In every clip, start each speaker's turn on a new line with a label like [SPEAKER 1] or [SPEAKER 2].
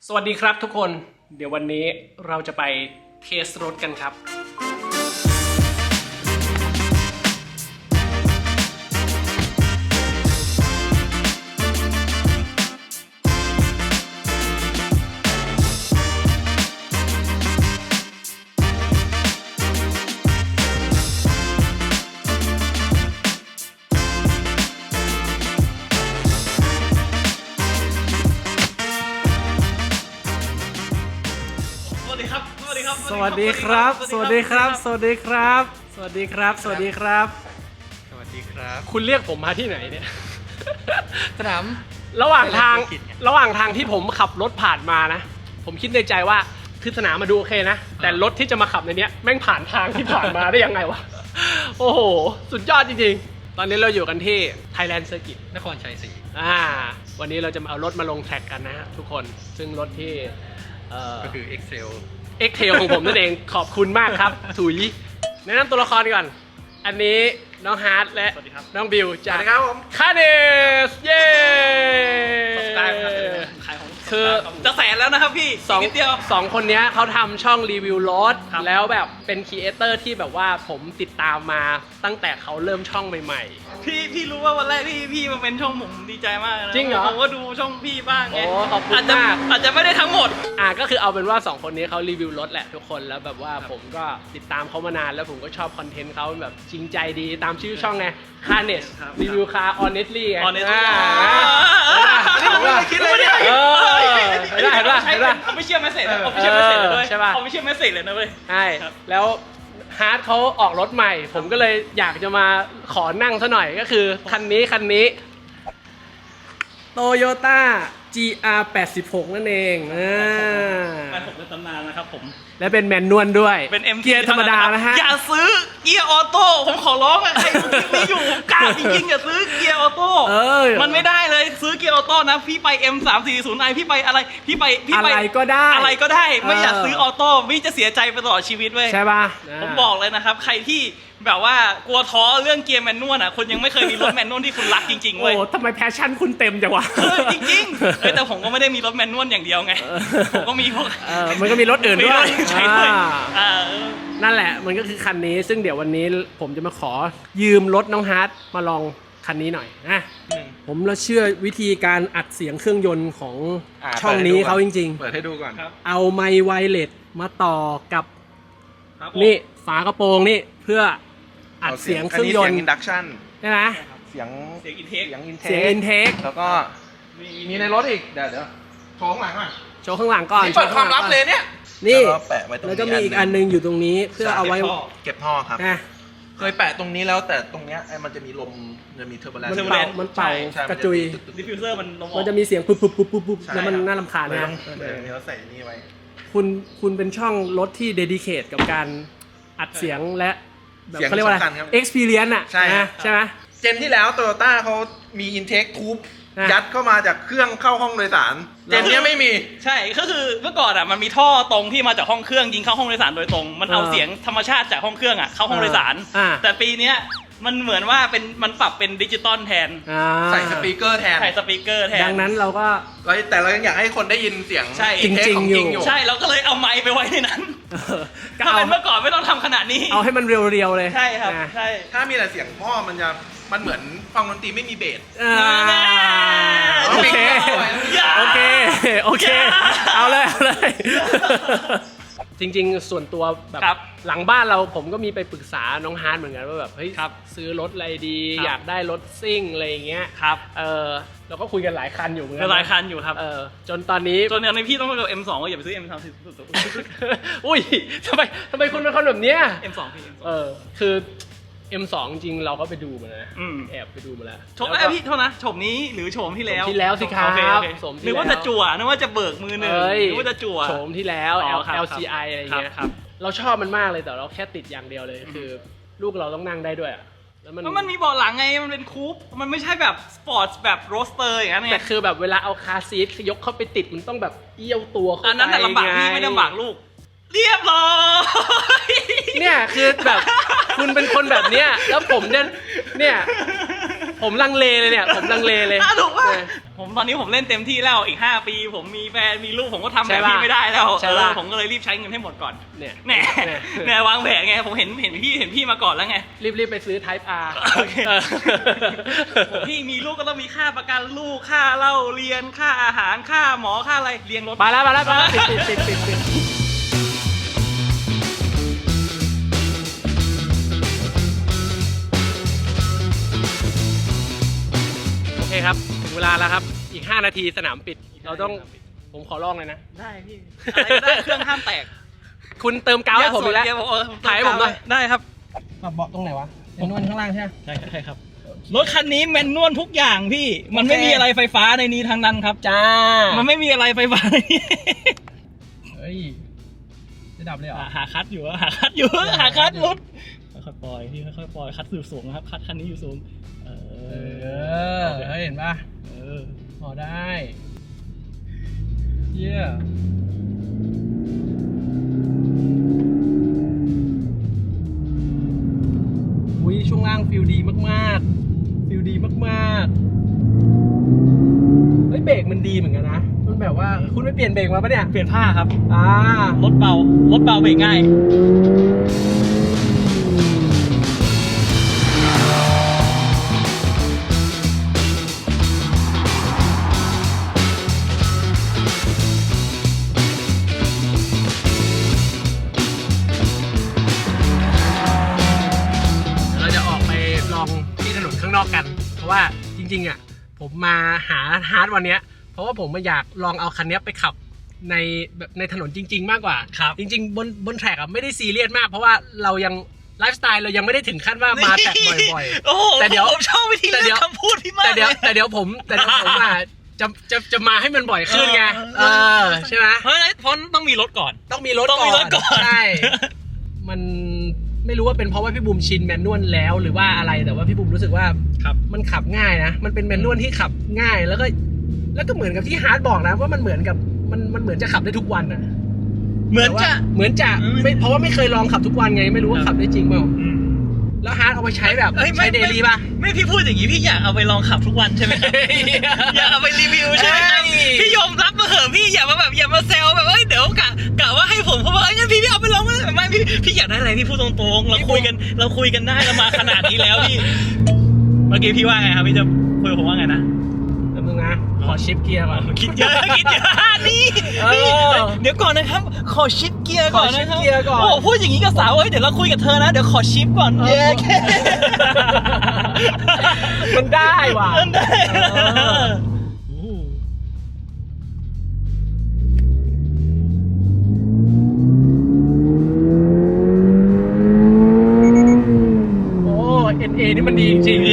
[SPEAKER 1] สวัสดีครับทุกคนเดี๋ยววันนี้เราจะไปเทสรถกันครับสวัสดีครับสวัสดีครับสวัสดีครับสวัสดีครับสวัสดีครับสวัสดีครับคุณเรียกผมมาที่ไหนเนี่ย
[SPEAKER 2] สนาม
[SPEAKER 1] ระหว่างทางที่ผมขับรถผ่านมานะผมคิดในใจว่าคือสนามมาดูโอเคนะแต่รถที่จะมาขับในเนี้ยแม่งผ่านทางที่ผ่านมาได้ยังไงวะโอ้โหสุดยอดจริงๆตอนนี้เราอยู่กันที่ Thailand Circuit
[SPEAKER 2] นครชัยศรี
[SPEAKER 1] วันนี้เราจะมาเอารถมาลงแทร็กกันนะฮะทุกคนซึ่งรถที่
[SPEAKER 2] ก็คือ Excel
[SPEAKER 1] ของผมนั่นเองขอบคุณมากครับถุยแนะนำตัวละครก่อนอันนี้น้องฮาร์ดและน้องบิวจากคาเนสเย้คือ
[SPEAKER 3] จะแสนแล้วนะครับพี่
[SPEAKER 1] สองคนนี้เขาทำช่องรีวิวรถแล้วแบบเป็นครีเอเตอร์ที่แบบว่าผมติดตามมาตั้งแต่เขาเริ่มช่องใหม่
[SPEAKER 3] ๆพี่รู้ว่าวันแรกที่พี่มาเป็นช่องผมดีใจมากนะ
[SPEAKER 1] จริงเหรอ
[SPEAKER 3] ผมก็ดูช่องพี่บ้างไง
[SPEAKER 1] ขอบคุณมาก
[SPEAKER 3] อาจจะไม่ได้ทั้งหมด
[SPEAKER 1] ก็คือเอาเป็นว่า2คนนี้เขารีวิวรถแหละทุกคนแล้วแบบว่าผมก็ติดตามเขามานานแล้วผมก็ชอบคอนเทนต์เขาแบบจริงใจดีตามชื่อช่องไงคาเนสรีวิวคาร์ honestly ไง
[SPEAKER 3] ไม่คิดเลยเนี่ย
[SPEAKER 1] เห็นป่ะ
[SPEAKER 3] ไม่เชื่อไม่เสร็จไม่เชื่อไม่เสร็จเลยใช่ป่ะไม่เชื่อไม่เสร็จเลยนะเว้ย
[SPEAKER 1] ใช่แล้วฮาร์ดเขาออกรถใหม่ผมก็เลยอยากจะมาขอนั่งซะหน่อยก็คือคันนี้ Toyota GR86 นั่นเอง
[SPEAKER 3] มันผมเป็นตำนานนะครับผม
[SPEAKER 1] และเป็นแมนนวลด้วย
[SPEAKER 3] เป็น MT
[SPEAKER 1] เกียร์ธรรมดานะฮะ
[SPEAKER 3] อย่าซื้อเกียร์ออโต้ผมขอร้องใครไม่อยู่กล้าจริงๆอย่าซื้อเกียร์ออโต้มันไม่ได้เลยซื้อเกียร์ออโต้นะพี่ไป M340i พี่ไปอะไรพี่ไป
[SPEAKER 1] อะไรก็ได้
[SPEAKER 3] ไม่อยากซื้อออโต้พี่จะเสียใจไปตลอดชีวิตเว้ย
[SPEAKER 1] ใช่ป่ะ
[SPEAKER 3] ผมบอกเลยนะครับใครที่แบบว่ากลัวท้อเรื่องเกียร์แมนนวลอ่ะคนยังไม่เคยมีรถแมนนวลที่คุณรักจริงๆเว้ย
[SPEAKER 1] โอ้ทำไมแพชชั่นคุณเต็มจังวะ
[SPEAKER 3] จริงๆแต่ผมก็ไม่ได้มีรถแมนนวลอย่างเดียวไงผมก็มีพวก
[SPEAKER 1] มันก็มีรถอื่นด้วยนั่นแหละมันก็คือคันนี้ซึ่งเดี๋ยววันนี้ผมจะมาขอยืมรถน้องฮาร์ดมาลองคันนี้หน่อยนะผมเราเชื่อวิธีการอัดเสียงเครื่องยนต์ของช่องนี้เขาจริง
[SPEAKER 2] ๆเปิดให้ดูก่อน
[SPEAKER 1] เอาไมค์ไวเลสมาต่อกับนี่ฝากระโปรงนี่เพื่ออัดเสียงเครื่องยนต์
[SPEAKER 2] เสียงอินดักชั่น
[SPEAKER 1] ใช่ไหม
[SPEAKER 2] เสียง
[SPEAKER 3] อินเท
[SPEAKER 1] ค
[SPEAKER 2] แล้วก็มีในรถอีกเดี๋ยวโชว์ข้างหลังก่อน
[SPEAKER 1] โชว์ข้างหลังก่อน
[SPEAKER 2] เปิดความลับเลยเนี่ย
[SPEAKER 1] นี่แล้วก็มีอีกอันนึงอยู่ตรงนี้เพื่อเอาไว้
[SPEAKER 2] เก็บท่อครับเคยแปะตรงนี้แล้วแต่ตรงเนี้ยมันจะมีลมจะมีเทอร์โบแลนซ์
[SPEAKER 1] มันเป่ากระจุย
[SPEAKER 3] ดิฟฟิวเซอร์
[SPEAKER 1] มันจะมีเสียงปุ๊บแล้วมันน่ารำคาญนะ
[SPEAKER 2] เราใส่นี่ไว้
[SPEAKER 1] คุณเป็นช่องรถที่เดดิเคทกับการอัดเสียงและแบบเขาเรียกว่าอะไร experience อ่ะใช่ไหม
[SPEAKER 2] เจนที่แล้ว Toyota เขามี intake tube ยัดเข้ามาจากเครื่องเข้าห้องโดยสารเจนนี้ไม่มี
[SPEAKER 3] ใช่ก็คือเมื่อก่อนอ่ะมันมีท่อตรงที่มาจากห้องเครื่องยิงเข้าห้องโดยสารโดยตรงมันเอาเสียงธรรมชาติจากห้องเครื่องอ่ะเข้าห้องโดยสารแต่ปีนี้มันเหมือนว่ามันปรับเป็นดิจิตอลแทน
[SPEAKER 2] ใส่สปีกเกอร์แทน
[SPEAKER 1] ดังนั้นเราก็
[SPEAKER 2] แต่เรายังอยากให้คนได้ยินเสียง
[SPEAKER 1] จริงอยู่
[SPEAKER 3] ใช่เราก็เลยเอาไมค์ไปไว้ในนั้นถ้าเป็นเมื่อก่อนไม่ต้องทำขนาดนี้
[SPEAKER 1] เอาให้มันเรียวๆเลย
[SPEAKER 3] ใช่ครับใช่
[SPEAKER 2] ถ้ามีแต่เสียงท่อมันเหมือนฟังดนตรีไม่มีเบส
[SPEAKER 1] โอเคเอาเลยจริงๆส่วนตัวแบบหลังบ้านผมก็มีไปปรึกษาน้องฮาร์ดเหมือนกันว่าแบบเฮ้ยซื้อรถอะไรดีอยากได้รถซิ่งอะไรอย่างเงี้ยเราก็คุยกันหลายคันอยู่เหมือนกัน
[SPEAKER 3] หลายคันอยู่ครับ
[SPEAKER 1] จนตอนนี้
[SPEAKER 3] พี่ต้องไปกับ M2 ก็อย่าไปซื้อ M3
[SPEAKER 1] อุ้ยทำไมคุณเป็นคนแบบเนี้ย
[SPEAKER 3] M2 พี่
[SPEAKER 1] คือ M2 จริงเราก็ไปดูมานะแอบไปดูมาแล้ว
[SPEAKER 3] โฉมแล้วพี่โทษนะโฉมนี้หรือโฉมที่แล้ว
[SPEAKER 1] สิครับ
[SPEAKER 3] นึกว่าจะจั่วนึกว่าจะเบิกมือหนึ่งนึกว่าจะจั่ว
[SPEAKER 1] โฉมที่แล้ว LCI อะไรเงี้ยเราชอบมันมากเลยแต่เราแค่ติดอย่างเดียวเลยคือลูกเราต้องนั่งได้ด้วย
[SPEAKER 3] แล้วมันมีเบาะหลังไงมันเป็นคูปมันไม่ใช่แบบสปอร์ตแบบโรสเตอร์อย่างนั้นไง
[SPEAKER 1] แต่คือแบบเวลาเอาคาร์ซีทยกเข้าไปติดมันต้องแบบเอี้ยวตัวเข้าไป
[SPEAKER 3] อันนั้นแต่ลำบากพี่ไม่ลำบากลูกเรียบร้อยเนี่ย
[SPEAKER 1] คือแบบคุณเป็นคนแบบเนี้ยแล้วผมเนี่ยผผมลังเลเลยเนี่ยผมลังเลเลย
[SPEAKER 3] ถูกป่ะผมตอนนี้ผมเล่นเต็มที่แล้วอีก5 ปีผมมีแฟนมีลูกผมก็ทำแบบพี่ไม่ได้แล้วผมก็เลยรีบใช้เงินให้หมดก่อนเนี่ยวางแผนไงผมเห็นพี่มาก่อนแล้วไง
[SPEAKER 1] รีบไปซื้อ Type R
[SPEAKER 3] โอเคพี่มีลูกก็ต้องมีค่าประกันลูกค่าเล่าเรียนค่าอาหารค่าหมอค่าอะไรเลี้ยงรถ
[SPEAKER 1] มาแล้วปิดโอเคครับถึงเวลาแล้วครับอีก5 นาทีสนามปิดเราต้องผมขอลองเลยนะ
[SPEAKER 3] ได้พี่อะไรก็ได้เครื่องห้ามแตก
[SPEAKER 1] คุณเติมกาวให้ผมอยู่แล้วถ่ายให้ผมหน่อย
[SPEAKER 3] ได้ครับ
[SPEAKER 1] ปรับเบาะตรงไหนวะแมนนวลข้างล่างใช่ไหม
[SPEAKER 3] ใช่ครับรถคันนี้แมนนวลทุกอย่างพี่มันไม่มีอะไรไฟฟ้าในนี้ทั้งนั้นครับ
[SPEAKER 1] จ้า
[SPEAKER 3] มันไม่มีอะไรไฟฟ้า
[SPEAKER 1] เฮ้ยจะดับเลยเหรอ
[SPEAKER 3] หาคัดอยู่หาคัดรถค่อยๆปล่อยพี่ค่อยๆปล่อยคัดอยู่สูงนะครับคัดคันนี้อยู่สูง
[SPEAKER 1] เห็นป่ะพอได้เยี่ยช่วงล่างฟิลดีมากๆเฮ้ยเบรกมันดีเหมือนกันนะมันแบบว่าคุณไม่เปลี่ยนเบรกมาปะเนี่ย
[SPEAKER 3] เปลี่ยนผ้าครับ
[SPEAKER 1] ร
[SPEAKER 3] ถเบาเบรกง่าย
[SPEAKER 1] นอกกันเพราะว่าจริงๆอ่ะผมมาหาฮาร์ดวันนี้เพราะว่าผมอยากลองเอาคันนี้ไปขับในถนนจริงๆมากกว่าจริงๆบนแทร็กอ่ะไม่ได้ซีเรียสมากเพราะว่าเรายังไลฟ์สไตล์เรายังไม่ได้ถึงขั้นว่ามาแตกบ่อย
[SPEAKER 3] ๆแต่เดี๋ยวผมชอบวิธีเลือกคำพูดพี่มาก
[SPEAKER 1] แต่เดี๋ยวผมอ่ะจะมาให้มันบ่อยขึ้นไงใช่ไหม
[SPEAKER 3] เพราะต้องมีรถก่อน
[SPEAKER 1] ใช่มันไม่รู้ว่าเป็นเพราะว่าพี่บูมชินแมนนวลแล้วหรือว่าอะไรแต่ว่าพี่บูมรู้สึกว่ามันขับง่ายนะมันเป็นแมนนวลที่ขับง่ายแล้วก็เหมือนกับที่ฮาร์ดบอกนะว่ามันเหมือนกับมันเหมือนจะขับได้ทุกวันอ่ะเหมือนจะไม่เพราะว่าไม่เคยลองขับทุกวันไงไม่รู้ว่าขับได้จริงเปล่าแล้วฮาร์ดเอาไปใช้แบบใช้เดลี่ป่ะ
[SPEAKER 3] ไม่พี่พูดอย่างนี้พี่อยากเอาไปลองขับทุกวันใช่ไหมอยากเอาไปรีวิวใช่ไหมพี่ยอมรับมาเหอะพี่อย่ามาแซวแบบเดี๋ยวกะว่าให้ผมเพราะว่างั้นพี่เอาไปลองไม่พี่อยากได้อะไรพี่พูดตรงๆเราคุยกันได้เรามาขนาดนี้แล้วพี่เมื่อกี้พี่ว่าไงครับพี่จะคุยกับผมว่าไงนะ
[SPEAKER 1] นึงนะขอชิปเกียร์ก่อน
[SPEAKER 3] คิดเยอะนี่เดี๋ยวก่อนนะครับขอชิปเกียร์ก่อนนะครับโอ้พูดอย่างนี้กับสาวเดี๋ยวเราคุยกับเธอนะเดี๋ยวขอชิปก่อน
[SPEAKER 1] มันได้ว่ะNA นี่มันดีจริง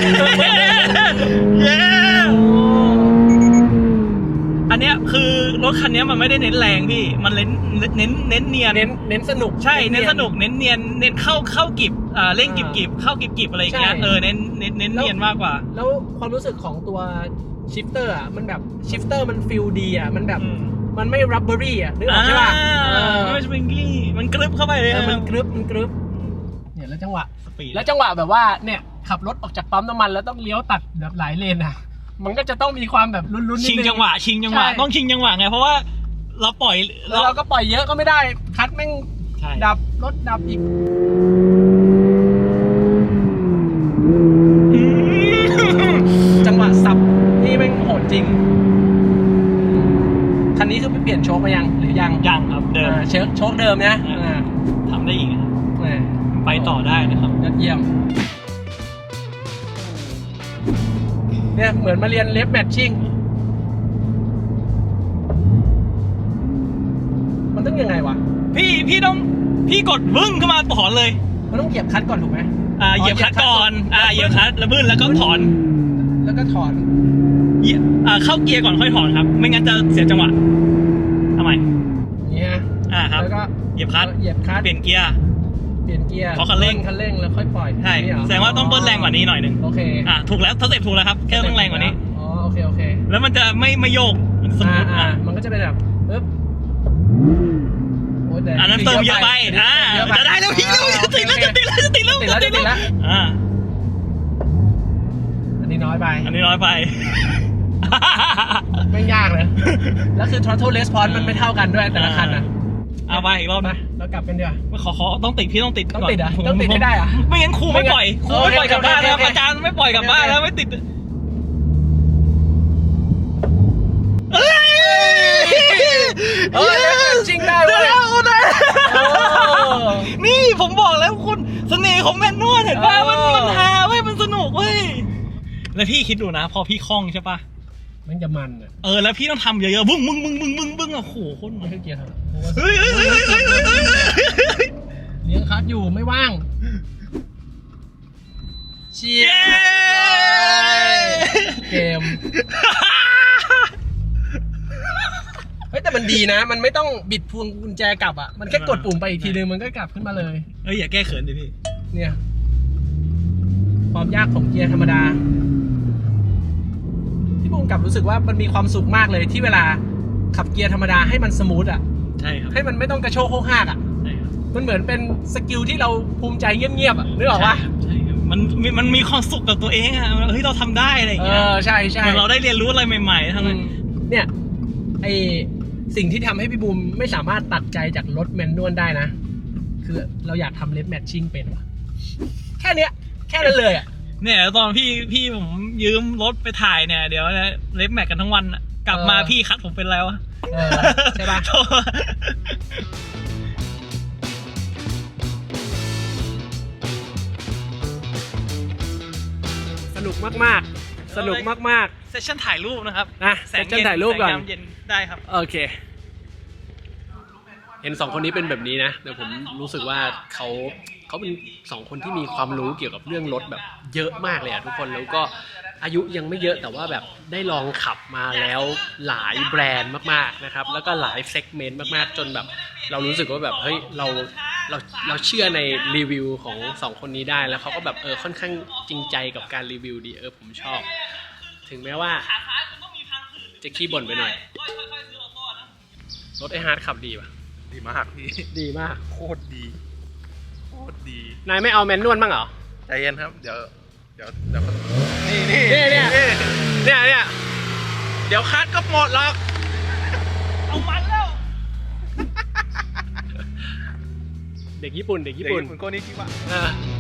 [SPEAKER 3] อันเนี้ยคือรถคันนี้มันไม่ได้เน้นแรงพี่มันเน้นเนียน
[SPEAKER 1] เน้นสนุก
[SPEAKER 3] ใช่เน้นสนุกเน้นเนียนเน้นเข้ากิบเร่งกิบเข้ากิบอะไรอย่างเงี้ยเน้นเนียนมากกว่า
[SPEAKER 1] แล้วความรู้สึกของตัวชิฟเตอร์อ่ะมันแบบชิฟเตอร์มันฟีลดีอ่ะมันแบบมันไม่รับเบอรี่อ่ะนึกออกใช่ป่ะ
[SPEAKER 3] ไม่สปริงกี้มันกรึบเข้าไปเลย
[SPEAKER 1] มันกรึบเนี่ยแล้วจังหวะแบบว่าเนี่ยขับรถออกจากปั๊มน้ำมันแล้วต้องเลี้ยวตัดแบบหลายเลนอ่ะมันก็จะต้องมีความแบบลุ้นๆ
[SPEAKER 3] ชิงจังหวะต้องชิงจังหวะไงเพราะว่าเราปล่อย
[SPEAKER 1] แล้วเราก็ปล่อยเยอะก็ไม่ได้คัดแม่งดับรถดับอีกจังหวะสับนี่แม่งโหดจริงคันนี้คือไปเปลี่ยนโชคไปยังหรือยัง
[SPEAKER 3] ครับเดิม
[SPEAKER 1] โชคเดิมนะ
[SPEAKER 3] ทำได้อีกไปต่อได้นะครับ
[SPEAKER 1] ยอดเยี่ยมเนี่ยเหมือนมาเรียนเล็บแมทชิ่งมันต้องยังไงวะ
[SPEAKER 3] พี่กดบึ้งขึ้นมาถอนเลย
[SPEAKER 1] มันต้องเหยียบคัทก่อนถูกไหม
[SPEAKER 3] เหยียบคัทก่อนเหยียบคัทแล้วบึ้งแล้วก็ถอนเข้าเกียร์ก่อนค่อยถอนครับไม่งั้นจะเสียจังหวะทำไม
[SPEAKER 1] นี่ฮะ
[SPEAKER 3] ครับแล้วก็เหยียบคัทเปลี่ยนเกียร์ขอคันเร่ง
[SPEAKER 1] แล้วค่อยปล่อย
[SPEAKER 3] ใช่แสดงว่าต้องเบิ้ลแรงกว่านี้หน่อยนึง
[SPEAKER 1] โอเค
[SPEAKER 3] ถูกแล้วสเต็ปถูกแล้วครับแค่ต้องแรงกว่านี้
[SPEAKER 1] อ๋อโอเค
[SPEAKER 3] แล้วมันจะไม่โยก
[SPEAKER 1] สมมติมันก็จะเป็นแบบปึ๊บ
[SPEAKER 3] อันนั้นเติมเยอะไปจะได้แล้วพี่จะติดแล้ว
[SPEAKER 1] อันนี้น้อยไป
[SPEAKER 3] อันนี้น้อยไป
[SPEAKER 1] ไม่ยากเลย แล้วคือ throttle response มันไม่เท่ากันด้วยแต่ละคันอ่ะ
[SPEAKER 3] เอาไปอีกรอบนะ
[SPEAKER 1] แล้วกลับกันเดี๋ยว
[SPEAKER 3] ขอต้องติดพี่ต้องติด
[SPEAKER 1] ต้องติดเหรอต้องติดให้ได้เหรอ
[SPEAKER 3] ไม่งั้นครูไม่ปล่อยครูไม่ปล่อยกลับบ้านแล้วอาจารย์ไม่ปล่อยกลับบ้านแล้วไม่ติดเอ้ย
[SPEAKER 1] เฮ้ยจริงได้เว้ย
[SPEAKER 3] นี่ผมบอกแล้วคุณเสน่ห์ของแมนนวลเห็นป่ะมันฮาเว้ยมันสนุกเว้ยแล้วพี่คิดดูนะพอพี่คล่องใช่ป่ะ
[SPEAKER 1] มันจะมันอ่ะ
[SPEAKER 3] แล้วพี่ต้องทำเยอะๆบึ้งอ่ะโหโคตร
[SPEAKER 1] ไม่ใช่เกียร์ครับ
[SPEAKER 3] เฮ้ย
[SPEAKER 1] เลี้ยงคัสอยู่ไม่ว่างเชียเกมเฮ้ยแต่มันดีนะมันไม่ต้องบิดพวงกุญแจกลับอ่ะมันแค่กดปุ่มไปอีกทีนึงมันก็กลับขึ้นมาเลย
[SPEAKER 3] อย่าแก้เขินดิพี่
[SPEAKER 1] เนี่ยความยากของเกียร์ธรรมดาที่ผมกลับรู้สึกว่ามันมีความสุขมากเลยที่เวลาขับเกียร์ธรรมดาให้มันสมูทอ่ะ
[SPEAKER 3] ใช่ครับ
[SPEAKER 1] ให้มันไม่ต้องกระโชกโคกหักอ่ะ
[SPEAKER 3] ใช่ครับ
[SPEAKER 1] มันเหมือนเป็นสกิลที่เราภูมิใจเงียบๆอ่ะนึกออกปะ
[SPEAKER 3] ใช่ครับมันมีความสุขกับตัวเองอ่ะเฮ้ยเราทำได้อะไรอย่างเงี้ย
[SPEAKER 1] ใช่ใช่
[SPEAKER 3] เหมือนเราได้เรียนรู้อะไรใหม่ๆทั้งนั้น
[SPEAKER 1] เนี่ยไอสิ่งที่ทำให้พี่บูมไม่สามารถตัดใจจากรถแมนนวลได้นะคือเราอยากทำเล็บแมทชิ่งเป็นว่ะแค่เนี้ยแค่นั้นเลยอ่ะ
[SPEAKER 3] เนี่ยตอนพี่ผมยืมรถไปถ่ายเนี่ยเดี๋ยวนะเล็บแม็กกันทั้งวันอะกลับมาพี่คัดผมเป็นแล้วอะ
[SPEAKER 1] ใช่ปะสนุกมากๆสนุกมาก
[SPEAKER 3] เซสชั่นถ่ายรูปนะครับ
[SPEAKER 1] ๆนะเซสชั่นถ่ายรูปก่อน
[SPEAKER 3] แสงเย็นได้ครับ
[SPEAKER 1] โอเคเห็นสองคนนี้เป็นแบบนี้นะแต่ผมรู้สึกว่าเขาเป็นสองคนที่มีความรู้เกี่ยวกับเรื่องรถแบบเยอะมากเลยอะทุกคนแล้วก็อายุยังไม่เยอะแต่ว่าแบบได้ลองขับมาแล้วหลายแบรนด์มากๆนะครับแล้วก็หลายเซกเมนต์มากๆจนแบบเรารู้สึกว่าแบบเฮ้ยเราเชื่อในรีวิวของสองคนนี้ได้แล้วเขาก็แบบค่อนข้างจริงใจกับการรีวิวดีผมชอบถึงแม้ว่าจะขี้บ่นไปหน่อยรถไอฮาร์ดขับดีป่ะ
[SPEAKER 2] ดีมากพี่
[SPEAKER 1] ดีมาก
[SPEAKER 2] โคตรดีโคตรดี
[SPEAKER 1] นายไม่เอาแมนนวลบ้างเหรอ
[SPEAKER 2] ใจเย็นครับเดี๋ยวนี่
[SPEAKER 1] เนี่ยเดี๋ยวคัดก็หมดหรอก
[SPEAKER 3] เอามันแล้ว
[SPEAKER 1] เด็กญี่ปุ่น
[SPEAKER 2] คุณโกนี่คิดว่า
[SPEAKER 1] เออ